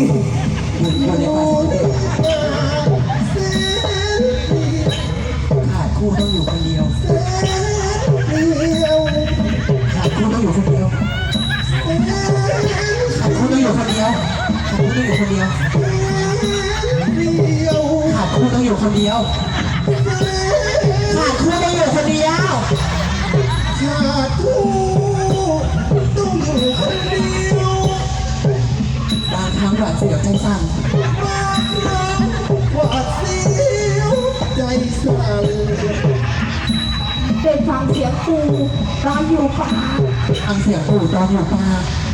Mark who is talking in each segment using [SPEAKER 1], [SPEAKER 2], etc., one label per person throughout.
[SPEAKER 1] อยู่ในป่าขาดคู่ต้องอยู่คนเดียวขาดคู่ต้องอยู่คนเดียวขาดคู่ต้องอยู่คนเดียวขาดคู่ต้องอยู่คนเดียวขาดคู่ต้องอยู่คนเดียวขาดคู่ต้องอยู่คนเดียวขาดคู่ต้องอยู่คนเดียวบางครั้งหวาดเสียวใจสั่นหวาดเสียวใจสั่น
[SPEAKER 2] ได้ฟังเสียงปู่ตอนอยู่ป่า
[SPEAKER 1] ฟังเสียงปู่ตอนอยู่ป่า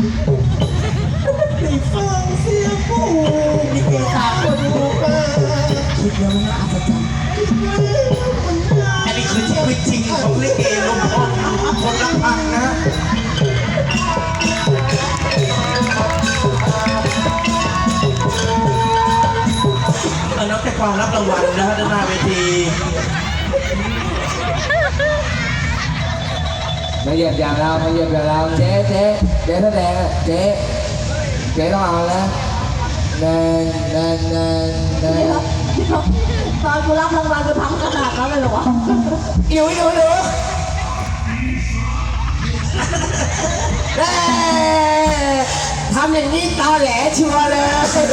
[SPEAKER 1] ได้ฟังเสียงปู่มีเกตาคนอยู่ป่าคิดแล้วไม่อาจจะจำ
[SPEAKER 3] อันนี้คือชีวิตจริงของลิเกลมพองคนละพังนะนักแต่ความรับรางวัลนะฮะด้านหน้าเวที
[SPEAKER 1] มาเหยียบอย่างเรามาเหยียบอย่างเราเจ๊แสดงเจ๊ต้องเอาแล้วเดิน
[SPEAKER 2] ตอนกูรับรางวัลกูทำขนาดนั้นเลยเหรอวะ
[SPEAKER 1] อยู่ทำอย่างนี้ตอแหลชัวร์เลย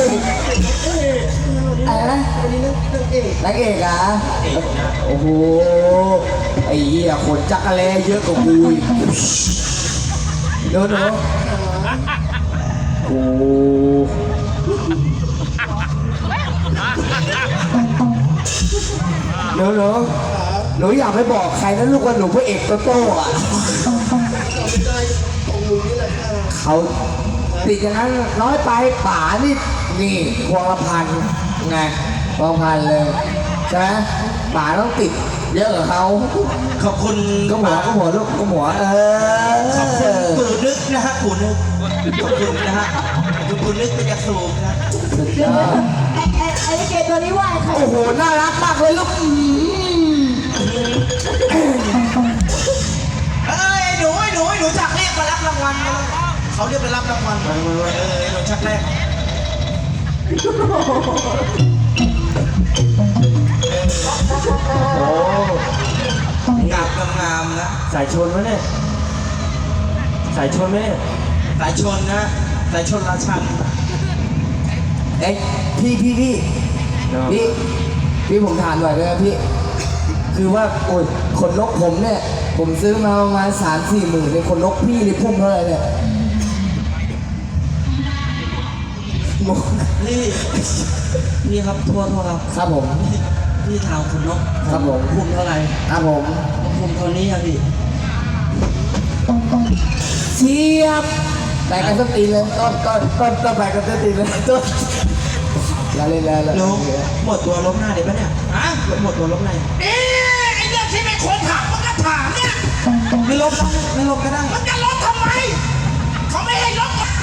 [SPEAKER 1] อะไรนะนักเอกอ่ะโอ้โหไอ้เหี้ยขนจักรแลเยอะกว่ากูอีกเดี๋ยวโอ้หนูอยากไปบอกใครนะลูกว่าหนูพระเอกโตโต้อะเขาติดอย่างนั้นน้อยไปป๋านี่พวงละพันไงพวงละพันเลยใช่ไหมป๋าต้องติดเยอะกว่าเขา
[SPEAKER 3] ขอบคุณ
[SPEAKER 1] ก็หัวลูกก็หัว
[SPEAKER 3] ขอบคุณปู่นึกนะฮะปู่นึกขอบคุณนะฮะปู่นึกเป็นยาสูบนะ
[SPEAKER 1] สุดยอด
[SPEAKER 2] ไอ้เกตตัวนี้ว่าใคร
[SPEAKER 1] โอ้โหน่ารักมากเลยลูก
[SPEAKER 3] หนูชักเรียกมารับรางวัลเขาเรียกไปรับรางวัลหนูชักแรก
[SPEAKER 1] โอ้
[SPEAKER 3] งามนะ
[SPEAKER 1] สายชนไหมเนี่ยสายชนไหมเนี่ย
[SPEAKER 3] สายชนนะสายชนราชัน
[SPEAKER 1] เอ้ยพี่ผมถามหน่อยเลยพี่คือว่าโอ้ยขนนกผมเนี่ยผมซื้อมาประมาณ3-4 หมื่นในขนนกพี่ในพุ่มเท่าไหร่เนี่ย
[SPEAKER 3] นี่ครับทั่ว
[SPEAKER 1] ครับผม
[SPEAKER 3] พี่ถามขนนก
[SPEAKER 1] ครับผม
[SPEAKER 3] พุ่มเท่าไหร่
[SPEAKER 1] ครับผม
[SPEAKER 3] พุ่มเท่านี้ครับพี่
[SPEAKER 1] เชียบไปกันสักตีเลยต้นไปกันสักตีเลยต้นแล้ว
[SPEAKER 3] ล้มหมดตัวล้มหน้าเดี๋ยวปะเนี่ยหมดตัวล้มใน
[SPEAKER 4] ไอ้เรื่องที่ไม่ควรถามมันก็ถามเนี่ย
[SPEAKER 3] ไม่ล้มก็ได้
[SPEAKER 4] มันจะล้มทำไมเขาไม่ให้ล้ม